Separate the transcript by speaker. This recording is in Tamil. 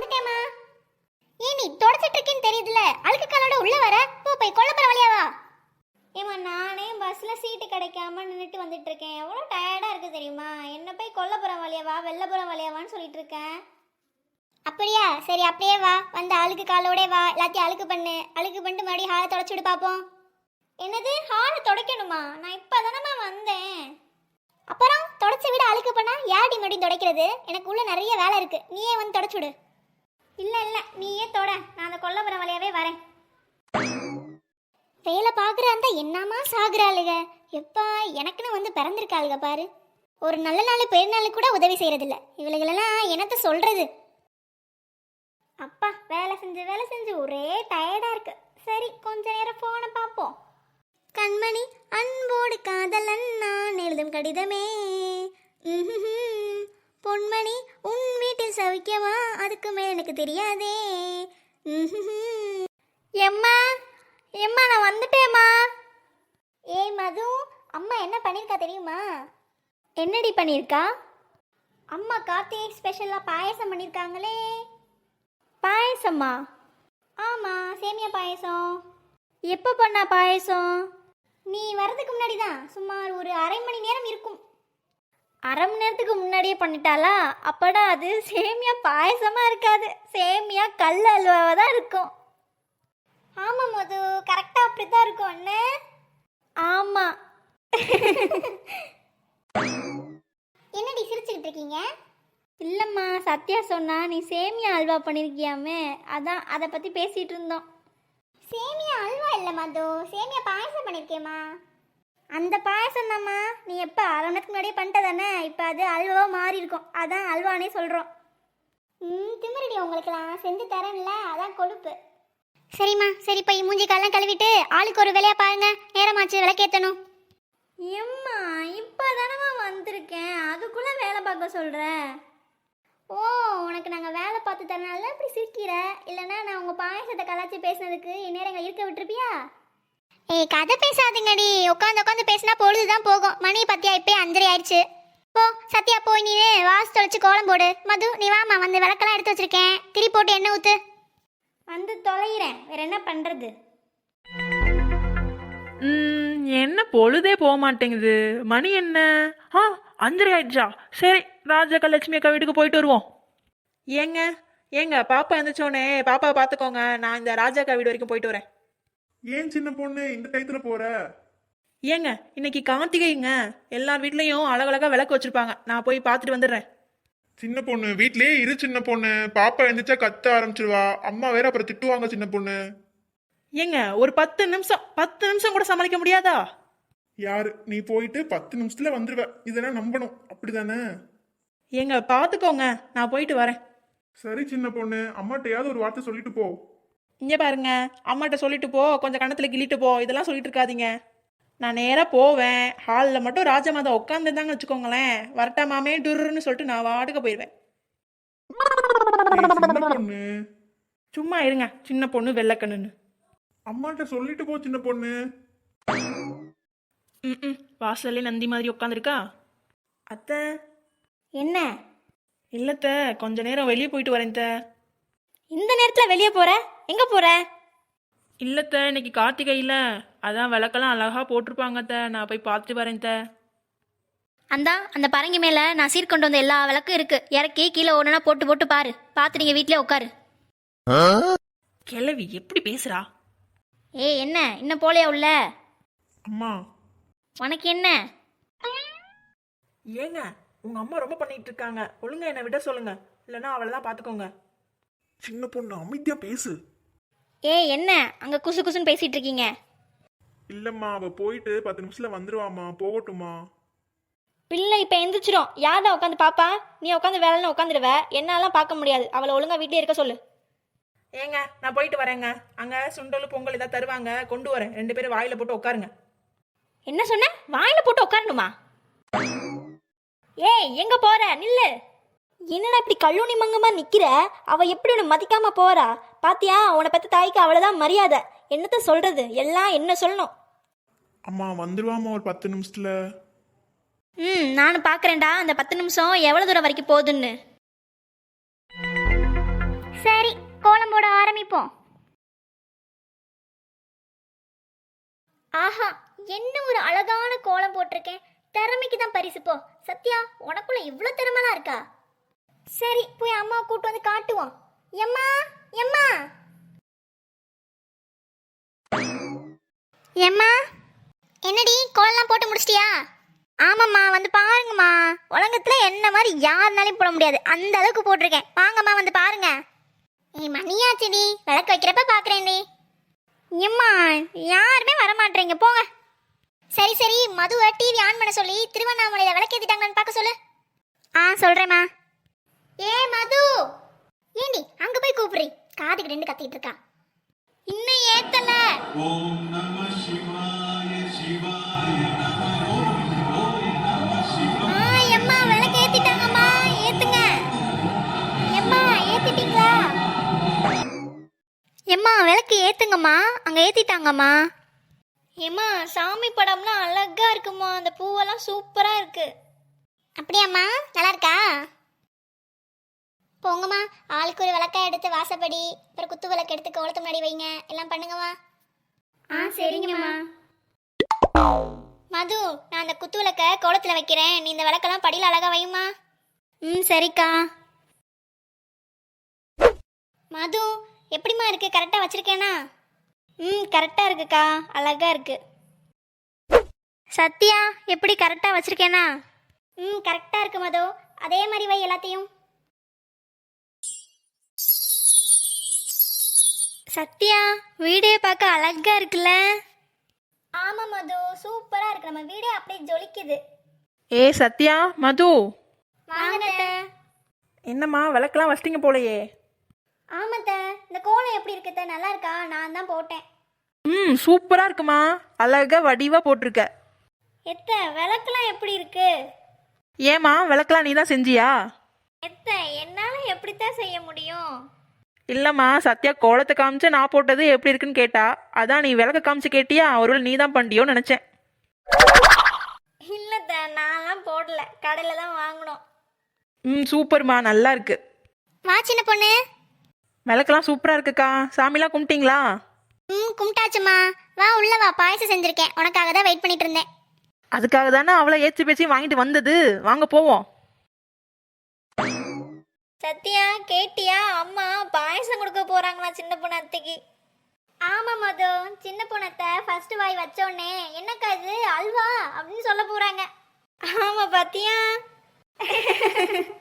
Speaker 1: வந்துட்டேமா. ஏன் நீ தொடச்சிட்டு இருக்கேன்னு தெரியுதுல, அழுக்கு காலோட உள்ள வர. போ போய் கொல்லப்புற வழியா வா. ஏமா நானே பஸ்ல சீட்டு கிடைக்காம நின்றுட்டு வந்துட்டு இருக்கேன். எவ்வளோ டயர்டா இருக்கு தெரியுமா? என்ன போய் கொல்லப்புறம் வழியா வா, வெள்ளப்புறம் வழியா வான்னு சொல்லிட்டு இருக்கேன். அப்படியா? சரி அப்படியே வா. வந்து அழுக்கு காலோட வா, எல்லாத்தையும் அழுக்கு பண்ணு. அழுக்கு பண்ணிட்டு மறுபடியும் ஹாலை தொடச்சு விடு பார்ப்போம். என்னது ஹாலை துடைக்கணுமா? நான் இப்போதானம்மா வந்தேன். அப்புறம் தொடச்ச விட அழுக்கு பண்ணா யாடி மறுபடியும் துடைக்கிறது? எனக்கு உள்ள நிறைய வேலை இருக்கு, நீயே வந்து தொடச்சு விடு. இல்லை இல்லை, நீயே தொட, நான் அந்த கொல்லப்புறம் வழியாவே வரேன். வேலை பார்க்குற அந்த என்னமா சாகுறாளுக. எப்பா எனக்குன்னு வந்து பிறந்திருக்காளுக பாரு. ஒரு நல்ல நாள் பெருநாள் கூட உதவி செய்யறதில்ல. இவளுகளெல்லாம் என்னத்த சொல்றது? அப்பா வேலை செஞ்சு ஒரே டயர்டா இருக்கு. சரி கொஞ்ச நேரம் போனை பார்ப்போம். கண்மணி அன்போடு காதலன் நான் எழுதும் கடிதமே. பொன்மணி உன் வீட்டில் சவிக்கவா, அதுக்கு மேல் எனக்கு தெரியாதே. எம்மா எம்மா நான் வந்துட்டேம்மா. ஏய் மது, அம்மா என்ன பண்ணியிருக்கா தெரியுமா? என்னடி பண்ணியிருக்கா? அம்மா கார்த்திகை ஸ்பெஷலாக பாயசம் பண்ணியிருக்காங்களே. பாயசம்மா? ஆமாம், சேமியா பாயசம். எப்போ பண்ணா பாயசம்? நீ வர்றதுக்கு முன்னாடி தான், சுமார் ஒரு அரை மணி நேரம் இருக்கும். அரை மணி நேரத்துக்கு முன்னாடியே பண்ணிட்டாளா? அப்படா அது சேமியா பாயசமாக இருக்காது, சேமியா கல் அல்வாவாக தான் இருக்கும். ஆமாம் மது, கரெக்டாக அப்படி தான் இருக்கும் அண்ணே. ஆமாம். என்னடி சிரிச்சுக்கிட்டு இருக்கீங்க? இல்லைம்மா, சத்யா சொன்னா நீ சேமியா அல்வா பண்ணியிருக்கியாமே, அதான் அதை பற்றி பேசிகிட்டு இருந்தோம். சேமியா அல்வா இல்லை மது, சேமியா பாயசம் பண்ணியிருக்கேம்மா. அந்த பாயசம் தாம்மா. நீ எப்போ அரை மணி நேரத்துக்கு முன்னாடியே பண்ணிட்ட தானே, இப்போ அது அல்வாவாக மாறி இருக்கும், அதான் அல்வானே சொல்கிறோம். திமிரடி உங்களுக்கெல்லாம் செஞ்சு தரேன்ல, அதான் கொழுப்பு. சரிம்மா, சரி போய் மூஞ்சி காலெல்லாம் கழுவிட்டு ஆளுக்கு ஒரு வேலையா பாருங்க, நேரமாச்சு விளக்கேற்றணும். எம்மா இப்போ தானம்மா வந்திருக்கேன், அதுக்குள்ளே வேலை பார்க்க சொல்கிறேன். ஓ, உனக்கு நாங்கள் வேலை பார்த்து தரனால இப்படி சிரிக்கிற, இல்லைன்னா நான் உங்கள் பாயசத்தை கலாச்சி பேசினதுக்கு இந்நேரம் எங்களை இருக்க விட்டுருப்பியா? ஏய் கதை பேசாதுங்கடி, உட்காந்து பேசினா பொழுதுதான் போகும். மணி பத்தியா இப்போ 5:30 ஆயிடுச்சு. போ சத்யா, போய் நீ வாசு தொலைச்சு கோலம் போடு. மது நீ வாமா, வந்து விளக்கெல்லாம் எடுத்து வச்சிருக்கேன், திரி போட்டு எண்ணெய் ஊற்று. வந்து தொலைகிறேன், வேற என்ன பண்ணுறது?
Speaker 2: என்ன பொழுதே போக மாட்டேங்குது. மணி என்ன? 5:30 ஆயிடுச்சா? சரி, ராஜாக்கா லட்சுமி அக்கா வீட்டுக்கு போயிட்டு வருவோம். ஏங்க ஏங்க பாப்பா எழுந்திரிச்சோடனே பாப்பாவை பார்த்துக்கோங்க, நான் இந்த ராஜாக்கா வீடு வரைக்கும் போயிட்டு வரேன்.
Speaker 3: ஏன் சின்ன பொண்ணு இந்த டயத்துல போற?
Speaker 2: ஏங்க இன்னைக்கு கார்த்திகைங்க, எல்லார் வீட்லேயும் அழகழகா விளக்கு வச்சிருப்பாங்க, நான் போய் பார்த்துட்டு வந்துடுறேன்.
Speaker 3: சின்ன பொண்ணு வீட்லயே இரு சின்ன பொண்ணு, பாப்பா எழுந்திரிச்சா கத்த ஆரம்பிச்சிருவா, அம்மா வேற அப்புறம் திட்டுவாங்க சின்ன பொண்ணு.
Speaker 2: ஏங்க ஒரு 10 நிமிஷம் கூட சமாளிக்க முடியாதா?
Speaker 3: யாரு நீ? போயிட்டு 10 நிமிஷத்துல வந்துருவ, இதெல்லாம் நம்பணும், அப்படிதானே?
Speaker 2: ஏங்க பார்த்துக்கோங்க, நான் போயிட்டு வரேன்.
Speaker 3: சரி சின்ன பொண்ணு, அம்மாட்டையாவது ஒரு வார்த்தை சொல்லிட்டு போ.
Speaker 2: இங்கே பாருங்க, அம்மாட்ட சொல்லிட்டு போ, கொஞ்சம் கணத்தில் கிள்ளிட்டு போ, இதெல்லாம் சொல்லிட்டு இருக்காதீங்க. நான் நேராக போவேன், ஹாலில் மட்டும் ராஜமாதா உட்காந்துருந்தாங்கன்னு வச்சுக்கோங்களேன், வரட்டா மாமே டுருன்னு சொல்லிட்டு நான் வாட்டுக்க போயிடுவேன்.
Speaker 3: சின்ன பொண்ணு
Speaker 2: சும்மா இருங்க, சின்ன பொண்ணு வெள்ளக்கண்ணுன்னு.
Speaker 3: அம்மாட்ட சொல்லிட்டு போ சின்ன பொண்ணு.
Speaker 2: வாசல்லே நந்தி மாதிரி உட்காந்துருக்கா. அத்தை
Speaker 1: என்ன?
Speaker 2: இல்லத்த, கொஞ்ச நேரம் வெளியே போயிட்டு வரேன் த.
Speaker 1: இந்த நேரத்தில் வெளியே போற? எங்கே போற?
Speaker 2: இல்லத்த, இன்னைக்கு கார்த்திகையில் அதான் விளக்கெல்லாம் அழகா போட்டிருப்பாங்க த, நான் போய் பார்த்துட்டு வரேன் த.
Speaker 1: அந்த பரங்கி மேலே நான் சீர்கொண்டு வந்த எல்லா விளக்கும் இருக்கு, இறக்கி கீழே ஒன்றுனா போட்டு பாரு. பார்த்து நீங்கள் வீட்டிலே உட்காரு.
Speaker 2: கிழவி எப்படி பேசுறா?
Speaker 1: ஏய் என்ன இன்னும் போலையா உள்ள?
Speaker 3: அம்மா
Speaker 1: உனக்கு என்ன?
Speaker 2: ஏங்க உங்க அம்மா ரொம்ப பண்ணிட்டு இருக்காங்க, ஒழுங்கா என்னை விட சொல்லுங்க, இல்லைன்னா அவளை தான் பார்த்துக்கோங்க.
Speaker 3: சின்ன பொண்ணு அமைதியா பேசு.
Speaker 1: ஏய் என்ன அங்கே குசு குசுன்னு பேசிட்டு இருக்கீங்க?
Speaker 3: இல்லம்மா, அவ போயிட்டு 10 நிமிஷத்துல வந்துருவாமா, போகட்டுமா?
Speaker 1: பிள்ளை இப்போ எந்திரிச்சிரும், யார்தான் உட்காந்து பாப்பா? நீ உட்காந்து வேலைன்னு உட்காந்துடுவ, என்னாலாம் பார்க்க முடியாது. அவளை ஒழுங்கா வீட்டிலே இருக்க சொல்லு.
Speaker 2: ஏங்க நான் போயிட்டு வரேங்க, அங்கே சுண்டல் பொங்கல் ஏதாவது தருவாங்க, கொண்டு வரேன், 2 பேரும் வாயில போட்டு உட்காருங்க.
Speaker 1: என்ன சொன்ன? வாயில போட்டு உட்காரணுமா? ஏய் எங்க போற? நில்லு. என்னடா இப்படி கல்லூனி மங்கமா நிக்கிற? அவ எப்படி உன்னை மதிக்காம போறா பாத்தியா? உன்னை பத்தி தாய்க்கு அவ்வளவுதான் மரியாதை. என்னத்த சொல்றது, எல்லாம் என்ன சொல்லணும்.
Speaker 3: அம்மா வந்துருவாமா ஒரு 10 நிமிஷத்துல.
Speaker 1: நானும் பாக்குறேன்டா அந்த 10 நிமிஷம் எவ்வளவு தூரம் வரைக்கும் போகுதுன்னு. ஆரம்பிப்போம். ஆஹா, என்ன ஒரு அழகான கோலம் போட்டிருக்கேன். திறமைக்கு தான் பரிசு போ. சத்யா, உனக்குள்ள இவ்வளோ திறமைலாம் இருக்கா? சரி, போய் அம்மா கூட்டு வந்து காட்டுவோம். எம்மா, எம்மா, எம்மா, என்னடி கோலம்லாம் போட்டு முடிச்சிட்டியா? ஆமாம்மா, வந்து பாருங்கம்மா. உலகத்தில் என்ன மாதிரி யாருனாலையும் போட முடியாது, அந்த அளவுக்கு போட்டிருக்கேன். வாங்கம்மா, வந்து பாருங்க. மணியாச்சுடி, விளக்கு வைக்கிறப்ப பார்க்குறேன்டி. எம்மா, யாருமே வரமாட்டேங்க, போங்க. சரி சரி, மதுவை டிவி ஆன் பண்ண சொல்லி திருவண்ணாமலையில் விளக்கேற்றிட்டாங்கன்னு பார்க்க சொல்லு. ஆ, சொல்கிறேம்மா. ஏ மது, ஏண்டி அங்கே போய் கூப்பிடுறி? காதுக்கு ரெண்டு கத்திட்டு இருக்கா. இன்னும் ஏத்தல. எம்மா, விளக்கு ஏத்திட்டாங்கம்மா, ஏத்துங்க. எம்மா, ஏத்திட்டீங்களா? எம்மா, விளக்கு ஏத்துங்கம்மா, அங்க ஏத்திட்டாங்கம்மா. ஏம்மா, சாமி படம்லாம் அழகா இருக்குமா, அந்த பூவெல்லாம் சூப்பரா இருக்கு. அப்படியாம்மா, நல்லா இருக்கா? போங்கம்மா, ஆளுக்கு ஒரு விளக்கா எடுத்து வாசப்படி, அப்புறம் குத்து விளக்கு எடுத்து கோலத்து முன்னாடி வைங்க, எல்லாம் பண்ணுங்கம்மா. ஆ, சரிங்கம்மா. மது, நான் அந்த குத்து விளக்க கோலத்தில் வைக்கிறேன், நீ இந்த விளக்கெல்லாம் படியில் அழகா வையுமா. ம், சரிக்கா. மது, எப்படிம்மா இருக்கு, கரெக்டாக வச்சிருக்கேனா? ம், கரெக்டாக இருக்குக்கா, அழகா இருக்கு. சத்யா, எப்படி கரெக்டாக வச்சிருக்கேனா? ம், கரெக்டாக இருக்கு மது, அதே மாதிரி வை எல்லாத்தையும். சத்யா, வீடே பார்க்க அழகா இருக்குல்ல? ஆமா மது, சூப்பரா இருக்கு, நம்ம வீடே அப்படியே ஜொலிக்குது.
Speaker 2: ஏ சத்யா, மது,
Speaker 1: வாங்கத்த.
Speaker 2: என்னம்மா விளக்கெல்லாம் வச்சிட்டிங்க போலையே?
Speaker 1: ஆமாத்த, இந்த கோலம் எப்படி இருக்குத்த, நல்லா இருக்கா? நான் தான் போட்டேன்.
Speaker 2: ம், சூப்பராக இருக்குமா, அழகா வடிவாக போட்டிருக்க.
Speaker 1: எத்த, விளக்குலாம் எப்படி இருக்கு?
Speaker 2: ஏம்மா விளக்கெல்லாம் நீ தான் செஞ்சியா?
Speaker 1: எத்த, என்னால எப்படித்தான் செய்ய முடியும்?
Speaker 2: இல்லைம்மா, சத்யா கோலத்தை காமிச்சு நான் போட்டது எப்படி இருக்குன்னு கேட்டா, அதான் நீ விளக்க காமிச்சு கேட்டியா, ஒருவேளை நீ தான் பண்ணிட்டியோன்னு நினச்சேன்.
Speaker 1: இல்லத்த, நான்லாம் போடல, கடையில தான் வாங்கணும்.
Speaker 2: ம், சூப்பர்மா, நல்லா இருக்கு.
Speaker 1: வா சின்ன பொண்ணு.
Speaker 2: விளக்கெல்லாம் சூப்பராக இருக்குக்கா. சாமிலாம் கும்பிட்டீங்களா?
Speaker 1: ம், கும்பிட்டாச்சுமா. வா உள்ள வா, பாயசம் செஞ்சிருக்கேன், உனக்காக தான் வெயிட் பண்ணிட்டு இருந்தேன்.
Speaker 2: அதுக்காக தானே அவளை ஏற்றி பேச்சு வாங்கிட்டு வந்தது. வாங்க போவோம்.
Speaker 1: சத்யா, கேட்டியா? அம்மா பாயசம் கொடுக்க போறாங்களா சின்ன பொண்ணு அத்தைக்கு. ஆமா மது, சின்ன பொண்ணத்தை ஃபர்ஸ்ட் வாய் வச்சோடனே என்னக்கா இது அல்வா அப்படின்னு சொல்ல போறாங்க. ஆமா பாத்தியா?